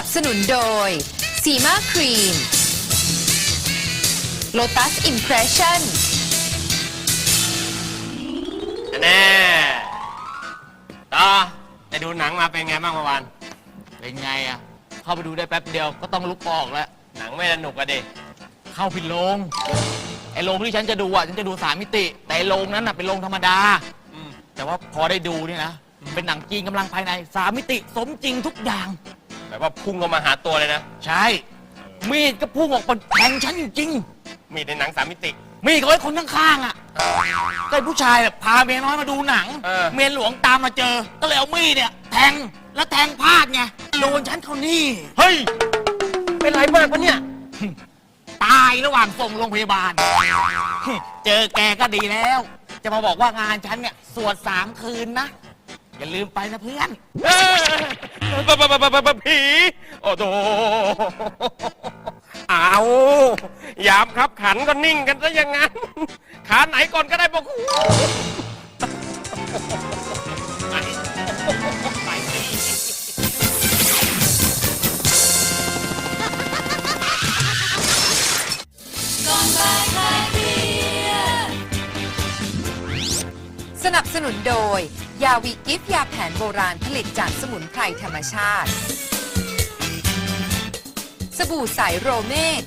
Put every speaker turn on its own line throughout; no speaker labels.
บสนุนโดยซีมาครีม Lotus Impression
แน่ต่อไปดูหนังมาเป็นไงบ้างเมื่อวาน
เป็นไงอ่ะเข้าไปดูได้แป๊บเดียวก็ต้องลุกออกแล้ว
หนังไม่สนุกอะดิ
เข้าผิดโรงไอ้โรงที่ฉันจะดูอ่ะฉันจะดู3 มิติแต่ไอ้โรงนั้นน่ะเป็นโรงธรรมดาแต่ว่าพอได้ดูนี่นะเป็นหนังจีนกำลังภายใน3 มิติสมจริงทุกอย่าง
แบบว่าพุ่งเข้ามาหาตัวเลยนะ
ใช่มีดก็พุ่งออกมาแทงฉันจริง
มีในหนัง3 มิติ
ๆมีดเขาไอ้คนข้างๆอ่ะก็ไอ้ผู้ชายแบบพาเมียน้อยมาดูหนัง เมียหลวงตามมาเจอก็เลยเอามีดเนี่ยแทงแล้วแทงพลาดไงโดนฉันเขานี่
เฮ้ย เป็นไรมากปะเนี่ย
ตายระหว่างส่งโรงพยาบาล เจอแกก็ดีแล้ว จะมาบอกว่างานฉันเนี่ยสวด3 คืนนะ อย่าลืมไปนะเพื่อน
ผี โอ้โหเอายามครับขันก็นิ่งกันซะอย่างนั้น ขาไหนก่อนก็ได้บอก
สนับสนุนโดยยาวีกิฟยาแผนโบราณผลิตจากสมุนไพรธรรมชาติ สบู่ใสโรเมก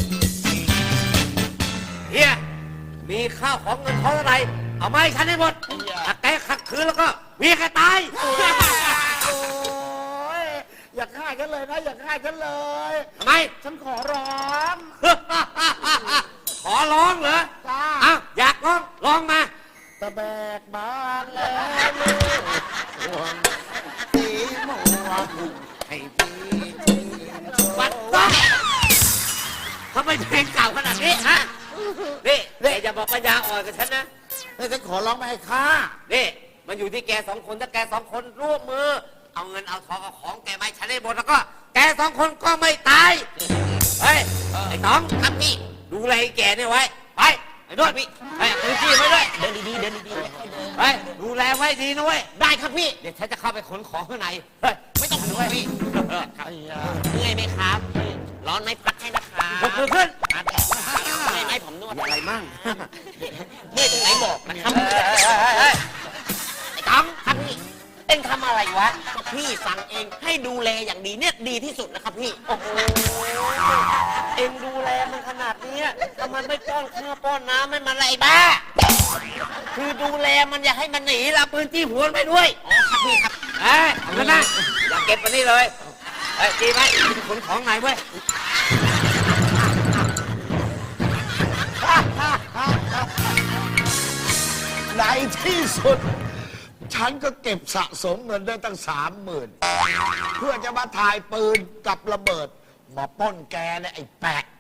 เฮียมีข้าวของเงินทองอะไรเอามาให้ฉันให้หมดถ้าแกขัดขืนแล้วก็มีแกตาย
โอ้ยอย่าฆ่าฉันเลยนะอย่าฆ่าฉันเลย
ทำไม
ฉันขอร้อง
ขอร้องเหรอ
จ้า
อ้าวอยากร้องร้องมา
ตะแบกบานแล้วลูกห่วงสีม่วงให้พี่ชื่นชม
วัดว่าทำไมเพลงเก่าขนาดนี้ฮะนี่อย่าบอกปัญญาอ่อนกับฉันนะ
แล้วฉันขอร้องไม่ให้ฆ่า
นี่มันอยู่ที่แก2 คนถ้าแก2 คนร่วมมือเอาเงินเอาทองเอาของแกมาให้ฉันได้หมดแล้วก็แก2 คนก็ไม่ตายเฮ้ยไอ้ต้องครับพี่ดูแลไอ้แกนี่ไว้ไปไอ้นวดพี่ไอ้ปืนจี้ไว้ด้วยเดินดีๆเดินดีๆไปดูแลไว้ดีนะเว้ยได้ครับพี่เดี๋ยวฉันจะเข้าไปขนของข้างในเฮ้ยไม่ต้องด้วยพี่เมื่อยไหมครับร้อนไหมพัดให้นะครับยกมือขึ้นเมื่อยไหมผมนวดอะไรมั่งเมื่อยตรงไหนบอกนะครับไอ้ต้องครับพี่เอ็งทำอะไรวะพี่สั่งเองให้ดูแลอย่างดีเนี่ยดีที่สุดนะครับพี่โอ้โหเอ็งดูแลมันขนาดนี้ทำไมไม่ป้อนข้าวป้อนน้ำให้มันอะไรบ้าคือดูแลมันอย่าให้มันหนีละปืนจี้หัวมันไปด้วยอ๋อครับพี่ครับเอาเงินนะอย่าเก็บมันนี่เลยดีไหมขนของไหนเว้ย
ในที่สุด ฉันก็เก็บสะสมเงินได้ตั้ง30,000เพื่อจะมาถ่ายปืนกับระเบิดมาปล้นแกเนี่ยไอ้แปะ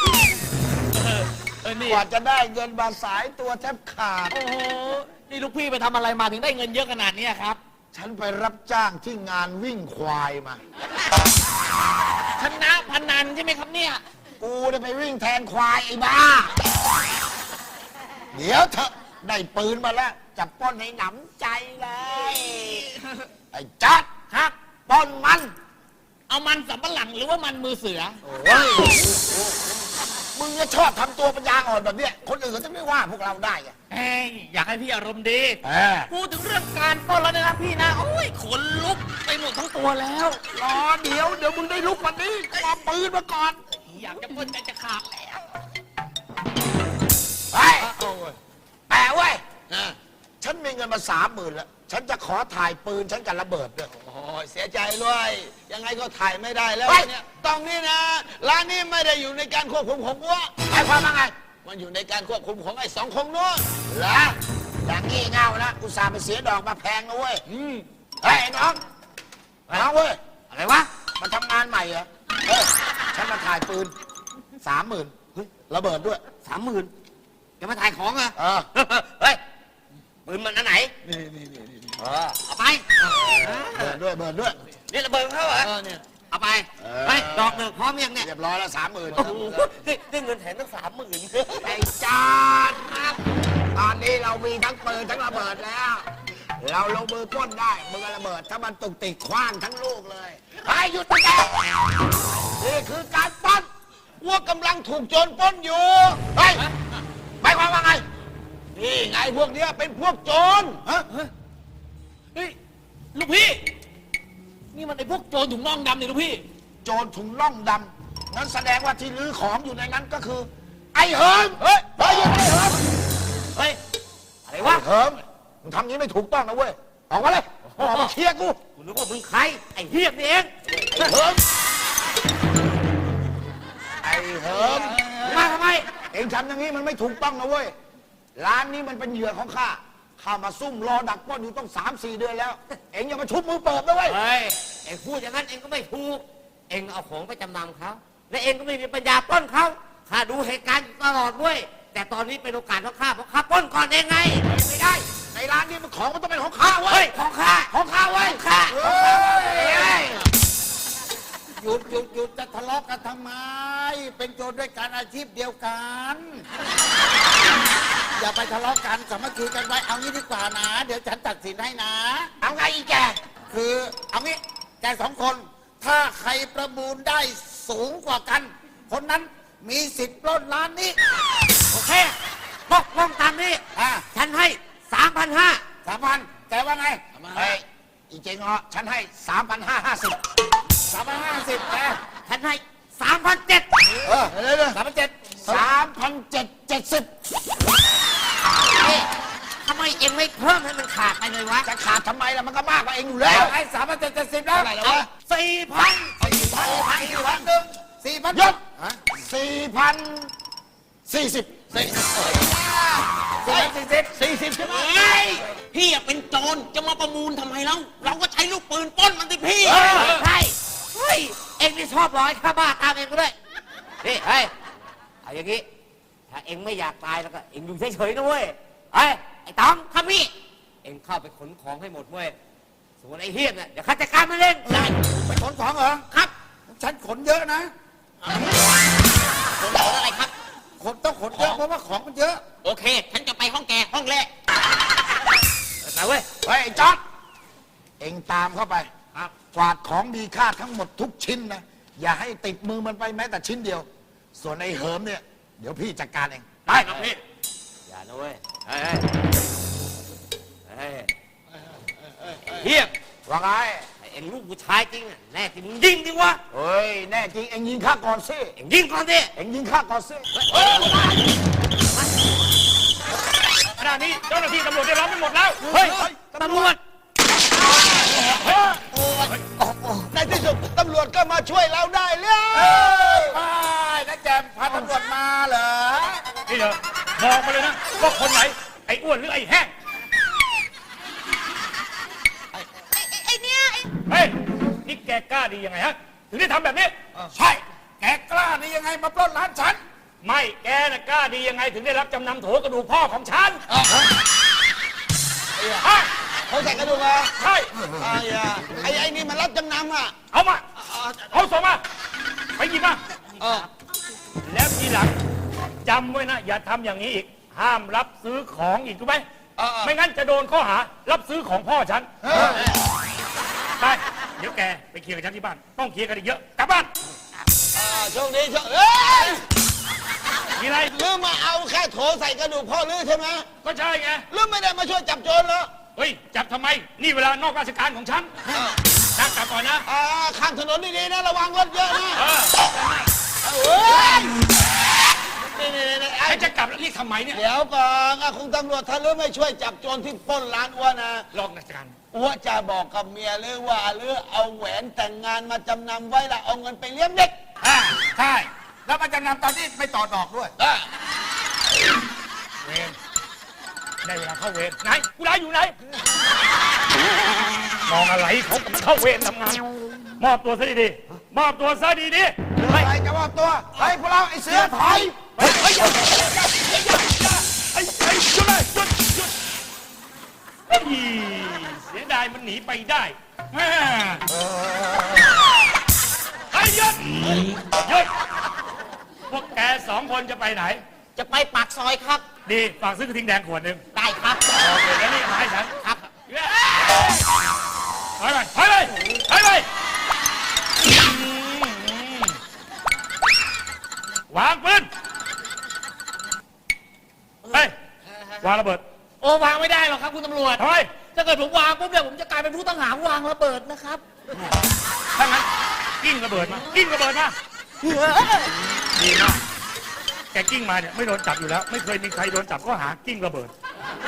กว่าจะได้เงินมาสายตัวแทบขาด
โอ้โหนี่ลูกพี่ไปทำอะไรมาถึงได้เงินเยอะขนาดนี้ครับ
ฉันไปรับจ้างที่งานวิ่งควายมา
ชนะพนันใช่ไหมครับเนี่ย
กูได้ไปวิ่งแทนควายไอ้บ้า เดี๋ยวเถอะได้ปืนมาแล้วจะปล้นให้หนำใจเลย ไอ้จัดครับปล้นมัน
เอามันสำปะหลังหรือว่ามันมือเสือ
โอ้ยมึงก็ชอบทำตัวปัญญาอ่อนแบบเนี้ยคนอื่นเขาจะไม่ว่าพวกเราได้ไง
เอ้ยอยากให้พี่อารมณ์ดี
เออ
พูดถึงเรื่องการปล้นแล้วนะครับพี่นะ โอ้ยขนลุกไปหมดทั้งตัวแล้ว
รอเดี๋ยวมึงได้ลุกวันนี้เอาปืนมาก่อน
อยากจะปล้นใจจะขาดแล้ว
ไปแปะเว้ยฉันมีเงินมา30,000แล้วฉันจะขอถ่ายปืนฉันกับระเบิดด้วย
โอ้ยเสียใจด้วยยังไงก็ถ่ายไม่ได้แล้ว
เฮ้ย
เนี่ยตรงนี้นะร้านนี้ไม่ได้อยู่ในการควบคุมของวัว
หมายความว่าไง
มันอยู่ในการควบคุมของไอ้2 คนนู้น
เหรออย่างงี้เง่านะอุตส่าห์ไปเสียดอกมาแพงนะเว้ยเฮ้ยไอ้น้องเว้ย
อะไรวะ
มาทำงานใหม่เหรอเออฉันมาถ่ายปืน30,000เฮ้ยระเบิดด้วย
30,000จะมาถ่ายของเหรอ
เออ
เฮ้ยปืนมันอันไหน
นี่
เอาไป
เบิดด้วย
นี่ระเบิดเขาเหรอ
เนี่ย
เอาไปไปดอกหนึ่งพร้อมยังเนี่ย
เรียบร้อยแล้ว30,000
โอ้โหได้เงินแถมตั้ง30,000
ไอ้จอดครับ ตอนนี้เรามีทั้งปืนทั้งระเบิดแล้วเราลงมือปล้นได้มือระเบิดถ้ามันตุกติกคว้างทั้งลูกเลยไอ้หยุดตะแกนี่คือการปล้น
ว่ากำลังถูกโจรปล้นอยู่
เฮ้ยหมายความว่าไง
นี่ไงพวกเนี้ยเป็นพวกโจรฮะ
เฮ้ย ลูกพี่ นี่มันไอ้พวกโจรถุงน่องดำเนี่ยลูกพี่
โจรถุงน่องดำนั้นแสดงว่าที่ลื้อของอยู่ในนั้นก็คือ ไอ้เหิมเฮ้ยเฮ้ยหยุดไอ้เหิม
เฮ้ย อะไร
ไอ้
วะ
เหิมมึงทำอย่างนี้ไม่ถูกต้องนะเว้ยออกมาเลยออกมาเคลียร์กู
กูนึกว่ามึงใคร ไอ้เฮียนี่เอง
ไอ้เหิมไอ้เหิม
มาทำไม
เองทำอย่างนี้มันไม่ถูกต้องนะเว้ยร้านนี้มันเป็นเหยื่อของข้าข้ามาซุ่มรอดักปล้นอยู่ต้อง3-4 เดือนแล้ว เองอย่ามาชุบมือเปิดนะเว้ย
เฮ้ย เอ็งพูดอย่างนั้นเอ็งก็ไม่ถูก เอ็งเอาของไปจำนำเขา และเอ็งก็ไม่มีปัญญาปล้นเขาข้าดูเหตุการณ์อยู่ตลอดด้วย แต่ตอนนี้เป็นโอกาสของข้าเพราะข้าปล้นก่อนเองไง
ไม่ได้ในร้านนี้มันของมันต้องเป็นของข้าเว้
เฮ้
ย
ย ของข้า
ของข้าเว้ย
ของข้า
เฮ้ย
หยุดหยุดหยุดจะทะเลาะกันทำไม เป็นโจรด้วยกันอาชีพเดียวกัน อย่าไปทะเลาะกันสามัคคีกันไว้เอางี้ดีกว่านะ เดี๋ยวฉันตัดสินให้นะ
เอาไงอีแก
คือเอางี้แกสองคน ถ้าใครประมูลได้สูงกว่ากัน คนนั้นมีสิทธิ์ปล้นร้านนี้
โอเคตกลงตามนี้ ฉันให้ 3,500
3,000แกว่าไง
เฮ้ยอีเจงเหรอฉันให้3,550
3,550แก
ฉันให้ 3,700
เออเดี๋ยว
3,770
นี่ทำไมเอ็งไม่เพิ่มให้มันขาดไปเลยวะ
จะขาดทำไมล่ะมันก็มากกว่าเองอยู่แล้ว
ไอ้3,770แล้ว
เท่าไหร่แล้ววะ
4,000
4,000
หยุด 4,040
ใช่ไหม
พี่อะเป็นโจรจะมาประมูลทำไมแล้ว เราก็ใช้ลูกปืนปล้นมันสิพี่
ใช่เฮ้ย เอ็งนี่ชอบร้อยข้าบ้าตามเอ็งก็ด้วยนี่เฮ้ย เอาอย่างงี้ ถ้าเอ็งไม่อยากตายแล้วก็เอ็งอยู่เฉยๆนะเว้ย เฮ้ย ไอ้ต๋องครับพี่ เอ็งเข้าไปขนของให้หมดเว้ย ส่วนไอ้เฮียเนี่ยเดี๋ยวข้าจัดการมันเองได้
ไปขนของเหรอ
ครับ
ฉันขนเยอะนะ
ขนอะไรครับ
ขนต้องขนเยอะเพราะว่าของมันเยอะ
โอเค ฉันจะไปห้องแกห้องแรก
ไปเว้ย
เฮ้ยไอ้จอดเองตามเข้าไปกวาดของมีค่าทั้งหมดทุกชิ้นนะ อย่าให้ติดมือมันไปแม้แต่ชิ้นเดียว ส่วนไอ้เหิมเนี่ย เดี๋ยวพี่จัดการเอง ไป
ครับพี่
อย่านะเว้ย เฮ้ยเฮ้ยเฮีย
ว่าไง
ไอ้เอ็งลูกผู้ชายจริงอะแน่จริงมึงยิงดิวะ
เฮ้ย แน่จริงเองยิงข้าก่อนสิ
เอ็งยิงก่อนดิ
เองยิงข้าก่อนสิ
ขณะนี้เจ้าหน้าที่ตำรวจได้ล้อมไปหมดแล้ว
เฮ้ย ตำรวจ
ในที่สุดตำรวจก็มาช่วยเราได้เลยไปนะแจมพาตำรวจมาเหรอ
นี่เหรอบอกมาเลยนะว่าคนไหน ไอ้อ้วนหรือไอ้แห้ง
ไอ้เนี่ย
เฮ้ย นี่แกกล้าดียังไงฮะ ถึงได้ทำแบบนี้
ใช่ แกกล้านี่ยังไงมาปล้นร้านฉัน
ไม่ แกน่ะกล้าดียังไง ถึงได้รับจำนำโถกระดูกพ่อของฉันฮะ
เขาใส่กระดูกเหรอ
ใช่
ไอ้นี่มันรับจำนำอ่ะ
เอามา เอาส่งมา ไปหยิบมา
เออ
แล้วทีหลังจำไว้นะ อย่าทำอย่างนี้อีก ห้ามรับซื้อของอีกถูกไหม ไม่งั้นจะโดนข้อหา รับซื้อของพ่อฉัน ไป เดี๋ยวแกไปเคลียร์กับฉันที่บ้าน ต้องเคลียร์กันอีกเยอะ กลับบ้าน
ช่วงนี้ช่วงเอ้ย
มีอะไร
ลืมมาเอาแค่โถใส่กระดูกพ่อลือใช่ไหม
ก็ใช่ไง
ลืมไม่ได้มาช่วยจับโจรเหรอ
เฮ้ย จับทำไม นี่เวลานอกราชการของฉันนั่งกลับก่อนนะ
ข้ามถนนดีๆนะระวังรถเยอะนะ
เออ
เฮ้ยนี่ไอ้
ไอ้จะกลับแล้วเรียกทำไมเนี่ย
เดี๋ยวก่อนคุณตำรวจถ้าลือไม่ช่วยจับโจรที่ปล้นร้านอ้วนนะ
ลองราชการ
อ้วนจะบอกกับเมียลือว่าลือเอาแหวนแต่งงานมาจำนำไว้ละเอาเงินไปเลี้ยงเด็ก
ใช่ แล้วมาจำนำตอนนี้ไม่ต่อดอกด้วย
เวรได้เวลาเข้าเวรไหนกูร้ายอยู่ไหน มองอะไรเขากำลังเข้าเวรทำงาน มอบตัวซะดีๆมอบตัวซะดีๆ
ใครจะมอบตัวเฮ้ยพวกเราไอ้เสือถอย
เฮ้ยหยุดไอ้หยุดเลยหยุดเฮ้ยเสียดายมันหนีไปได้แม่ไอ้หยุดหยุดพวกแกสองคนจะไปไหน
จะไปปากซอยครับ
ดีฝากซื้อกระทิงแดงขวดหนึ่ง
ได้ครับ
โอเคแล้วนี่มาให้ฉัน
ครับ
เอ้วางระเบิด
โอ้วางไม่ได้หรอกครับคุณตำรวจ
ทำไม
ถ้าเกิดผมวางปุ๊บเนี่ยผมจะกลายเป็นผู้ต้องหาวางระเบิดนะครับ
ถ้างั้นกิ้งระเบิดมากิ้งระเบิดมาดีมากแกกิ้งมาเนี่ยไม่โดนจับอยู่แล้ว ไม่เคยมีใครโดนจับก็หากิ้งระเบิด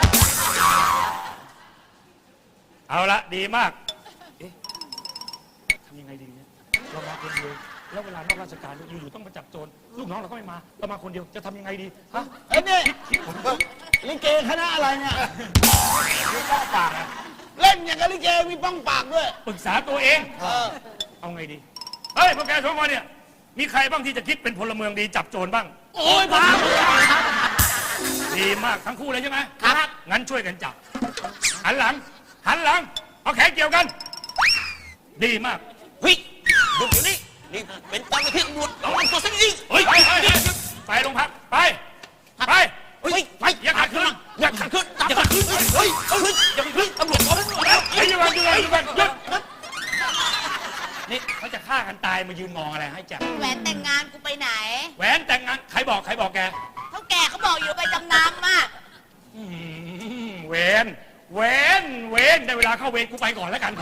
เอาละดีมากเอ๊ะทำยังไงดีเนี่ยเรามาคนเดียวแล้วเวลานอกราชการอยู่ๆต้องมาจับโจรลูกน้องเราก็ไม่มาเรามาคนเดียวจะทำยังไงดีฮะ
ไอ้นี่ลิเกคณะอะไรเนี่ย
ไม่ต้องปากอะ
เล่นอย่างกับลิเกมีป้องปากด้วย
ปรึกษาตัวเองเอาไงดีเฮ้ยพวกแกสองคนเนี่ยมีใครบ้างที่จะคิดเป็นพลเมืองดีจับโจรบ้าง
โอ้ยพา
ดีมากทั้งคู่เลยใช่ไหม
ครับ
งั้นช่วยกันจับ หันหลัง เอาแขนเกี่ยวกัน ดีมาก
เฮ้ยดูอยู่นี่นี่เป็นเจ้าหน้าที่ตำรวจระวังตัวสักนิด
เฮ้ยไปโรงพักไป
เฮ้ยไป
อย่าขัดขืน
อย่าขัดขืนอย่าขัดขืนเฮ้ยอย่าขัดขืนตำรวจบอกแล้ว
เฮ้ยหยุดก่อนหยุดนี่เขาจะฆ่ากันตายมายืนมองอะไรให้จับ
แหวนแต่งงานกูไปไหน
แหวนแต่งงานใครบอกแก
เท่าแก่เขาบอกอยู่ไปจำนำอ่ะ
เวนได้เวลาเข้าเวรกูไปก่อนแล้วกัน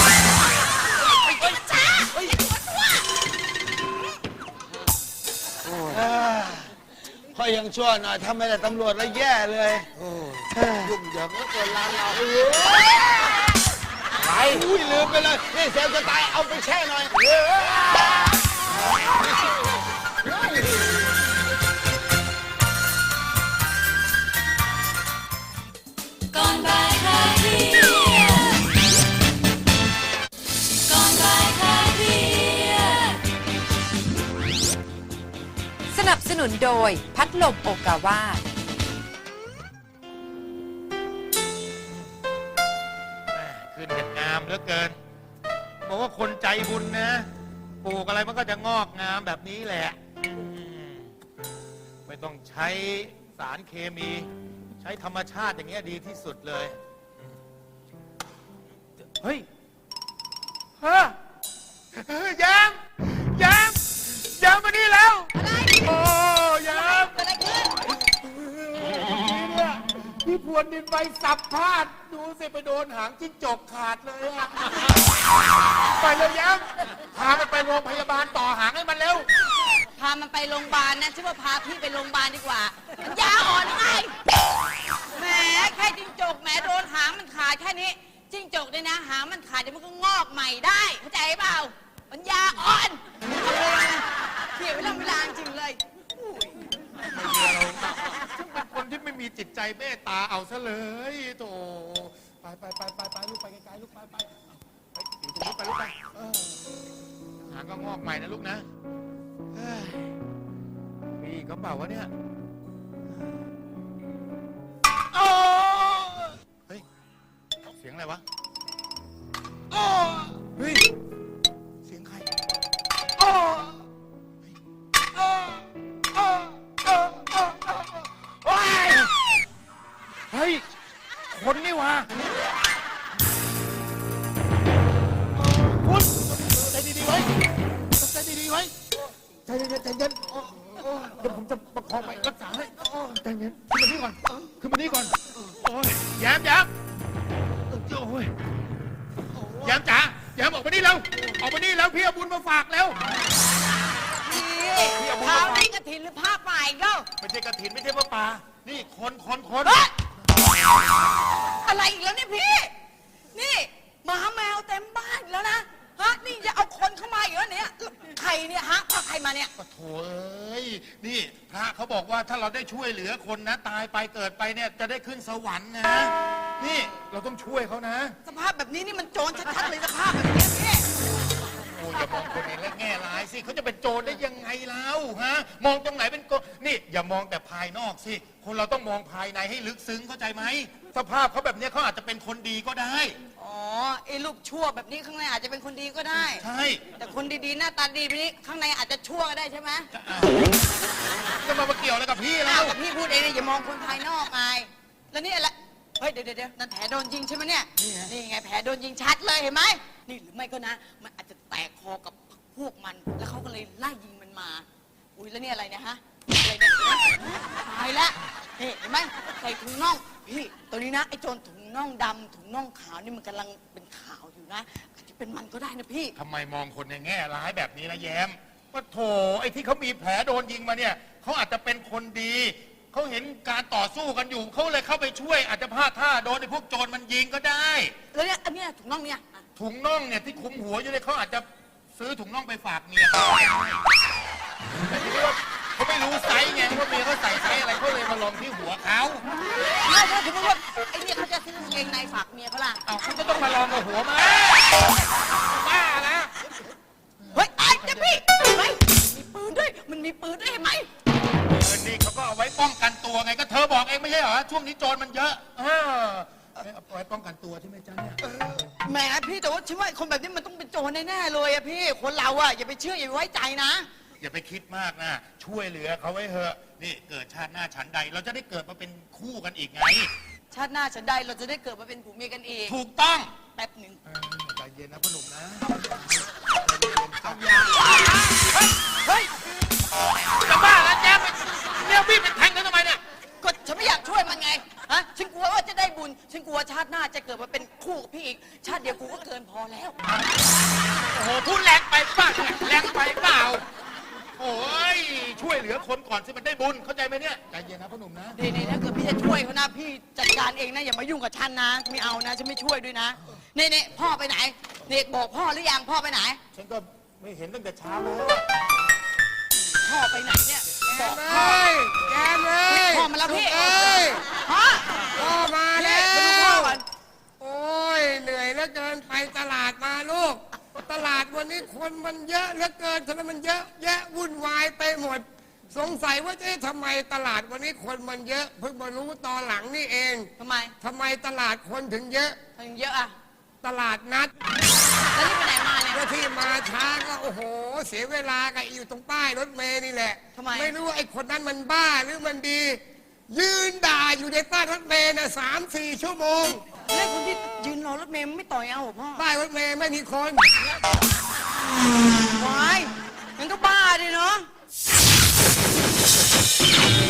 ช้า
ค่อยยังชั่วหน่อยถ้าไม่ได้ตำรวจแล้วแย่เลยยุ่งเหยิงแล้วเกินร้านเราไปอุ้ยลืมไปเลยนี่เซลจะตายเอาไปแช่หน่อย
ก่อนบ่ายคลายเครียดก่อนบ่ายคลายเครียด
สนับสนุนโดยพัดลมโอกาวา
ขึ้นกันงามเหลือเกินบอกว่าคนใจบุญนะปลูกอะไรมันก็จะงอกงามแบบนี้แหละไม่ต้องใช้สารเคมี ใช้ธรรมชาติอย่างเงี้ยดีที่สุดเลยเฮ้ยฮะยามมานี่แล้วโอ้ยามเนี่ยพี่พวนดินไปสับพลาดดูสิไปโดนหางจิ้งจกขาดเลยอะไปเลยยามพามันไปโรงพยาบาลต่อหางให้มันเร็ว
พามันไปโรงพยาบาลนะชื่อว่าพาพี่ไปโรงพยาบาลดีกว่ามันยาอ่อนไงแหมแค่จิ้งจกแหมโดนหางมันขาดแค่นี้จิ้งจกเนี่ยนะหางมันขาดเดี๋ยวมันก็งอกใหม่ได้เข้าใจเปล่ามันยาอ่อนเอาเลยเขี่ยเวลาจริงเลย
ซึ่งเป็นคนที่ไม่มีจิตใจเมตตาเอาซะเลยโถไปลูกไปไกลๆลูกไปอยู่ตรงนี้ไปลูกไปหางก็งอกใหม่นะลูกนะเฮ้ยมีอีกก็เปล่าวะเนี่ยโอ้เฮ้ยเสียงอะไรวะโอ้เฮ้ยเสียงใครโอ้เฮ้ย คนนี่วะคุณใจดีๆไว้ใจดีๆไว้ใจเย็นเดี๋ยวผมจะประคองไปรักษาให้ใจเย็นขึ้นมานี่ก่อนโอ้ยแย้มโอ้ยแย้มจ๋าแย้มออกมานี่แล้วพี่เอาบุญมาฝากแล้ว
นี่เท้านี่กระถินหรือผ้าป่าอีกแล้ว
ไม่ใช่กระถินไม่ใช่พระป่านี่คน
เฮ้ยอะไรอีกแล้วเนี่ยพี่ นี่หมาแมวเต็มบ้านอีกแล้วนะฮะนี่จะเอาคนเข้ามาอีกแล้วเนี่ยใครเนี่ยฮะพาใครมาเนี่ย
ปะโถเอ้ยนี่พระเขาบอกว่าถ้าเราได้ช่วยเหลือคนนะตายไปเกิดไปเนี่ยจะได้ขึ้นสวรรค์นะนี่เราต้องช่วยเขานะ
สภาพแบบนี้นี่มันโจรชัดๆเลยสภาพแบบนี้พี่
โอ้ยอย่ามองคนในแง่ร้ายสิเขาจะเป็นโจรได้ยังไงแล้วฮะมองตรงไหนเป็นโจรนี่อย่ามองแต่ภายนอกสิคนเราต้องมองภายในให้ลึกซึ้งเข้าใจไหมสภาพเขาแบบเนี้ยเขาอาจจะเป็นคนดีก็ได้
อ๋อไอ้ลูกชั่วแบบนี้ข้างในอาจจะเป็นคนดีก็ได้
ใช่
แต่คนดีๆหน้าตาดีแบบนี้ข้างในอาจจะชั่วก็ได้ใช่ไหม
จะมาเกี่ยวอะไรกับพี่แล้
อ้าว
ว
กับพี่พูดเองเนี่ยอย่ามองคนภายนอกไงแล้วนี่อะไรเฮ้ยเดี๋ยวนั่นแผลโดนยิงใช่ไหมเนี่ยนี่ไงแผลโดนยิงชัดเลยเห็นไหมนี่หรือไม่ก็นะมันอาจจะแตกคอกับพวกมันแล้วเขาก็เลยไล่ยิงมันมาอุ้ยแล้วนี่อะไรเนี่ยฮะอะไรเนี่ยตายแล้วเห็นไหมใส่ถุงน่องพี่ตัวนี้นะไอ้โจรถุงน่องดำถุงน่องขาวนี่มันกำลังเป็นข่าวอยู่นะอาจจะเป็นมันก็ได้นะพี่
ทำไมมองคนในแง่ร้ายแบบนี้ละแย้มว่าโถไอ้ที่เขามีแผลโดนยิงมาเนี่ยเขาอาจจะเป็นคนดีเขาเห็นการต่อสู้กันอยู่เขาเลยเข้าไปช่วย อาจจะพลาดท่าโดนไอ้พวกโจรมันยิงก็ได้
แล้วเนี่ยอันเนี้ยถุงน่องเนี่ย
ถุงน่องเนี่ยที่คลุมหัวอยู่เนี่ยเขาอาจจะซื้อถุงน่องไปฝากเมียเขาแต่ทีนี้ว่าเขาไม่รู้ไซส์ไงว่าเมียเขาใส่ไซส์อะไรเขาเลยมาลองที่หัวเขา
แล้วถ้าสมมติว่าไอ้เนี่ยเขาจะซื้อกางเกงในฝากเมียเขาล่ะ
เอาเขาจะต้องมาลองกับหัวมาบ้าแล้ว
เฮ้ยไอ้เจ้าพี่เฮ้ยมีปืนด้วยมันมีปืนด้วยเห็นไหม
เงินนี่เขาก็เอาไว้ป้องกันตัวไงก็เธอบอกเองไม่ใช่เหรอช่วงนี้โจรมันเยอะเอาไว้ป้องกันตัวใช่ไหมจ๊ะเนี่ย
แหมพี่แต่ว่าฉันว่าคนแบบนี้มันต้องเป็นโจรแน่ๆเลยอะพี่คนเราอะอย่าไปเชื่ออย่าไปไว้ใจนะ
อย่าไปคิดมากนะช่วยเหลือเขาไว้เถอะนี่เกิดชาติหน้าฉันใด เราจะได้เกิดมาเป็นคู่กันอีกไง
ชาติหน้าฉันใดเราจะได้เกิดมาเป็นผัวเมียกันอีก
ถูกต้อง
แป๊บหนึ่ง
ใจเย็นนะพ่อหนุ่มนะ
เฮ้ย
จะบ้าแล้วแจ๊บเนี่ยพี่เป็นแทงเขาทำไมเนี่ย
ก็ฉันไม่อยากช่วยมันไงฮะฉันกลัวว่าจะได้บุญฉันกลัวชาติหน้าจะเกิดมาเป็นคู่กับพี่อีกชาติเดียวกูก็เกินพอแล้ว
โอ้โหพูดแรงไปป่ะแรงไปเปล่าโอ้ยช่วยเหลือคนก่อนสิมันได้บุญเข้าใจไหมเนี่ยใจเย็นนะพ่อหนุ่มนะ
นี่ถ้าเกิดพี่จะช่วยเขานะพี่จัดการเองนะอย่ามายุ่งกับฉันนะไม่เอานะฉันไม่ช่วยด้วยนะนี่พ่อไปไหนเนกบอกพ่อหรือยังพ่อไปไหน
ฉันก็ไม่เห็นตั้งแต่เช้าแล้ว
พ่อไปไหนเนี่ยบอกพ่อ
แกเลย
พ่อมาแล้วพี่
เอ้ย
พ่อ
พ่อมาแล้ว
มาดูพ่อก่อน
โอ้ยเหนื่อยเหลือเกินไปตลาดมาลูก ตลาดวันนี้คนมันเยอะเหลือเกินทำไมมันเยอะแยะวุ่นวายไปหมด สงสัยว่าทำไมตลาดวันนี้คนมันเยอะเพิ่งมารู้ตอนหลังนี่เอง
ทำไม
ทำไมตลาดคนถึงเยอะ
ถึงเยอะอะ
ตลาดนัด
แล้วนี่ไปไหนมาเนี่ย
ก็ที่มาช้าก็โอ้โห เสียเวลากับอยู่ตรงป้ายรถเมล์นี่แหละ
ทำไม
ไม่รู้ว่าไอ้คนนั้นมันบ้าหรือมันดี ยืนด่าอยู่ในป้ายรถเมล์น่ะ3-4 ชั่วโมง
แล้วคนที่ยืนรอรถเมล์ไม่ต่อยเอาเหรอพ่อ
ป้ายรถเมล์ไม่มีคน
วายมันก็บ้าดิเนาะ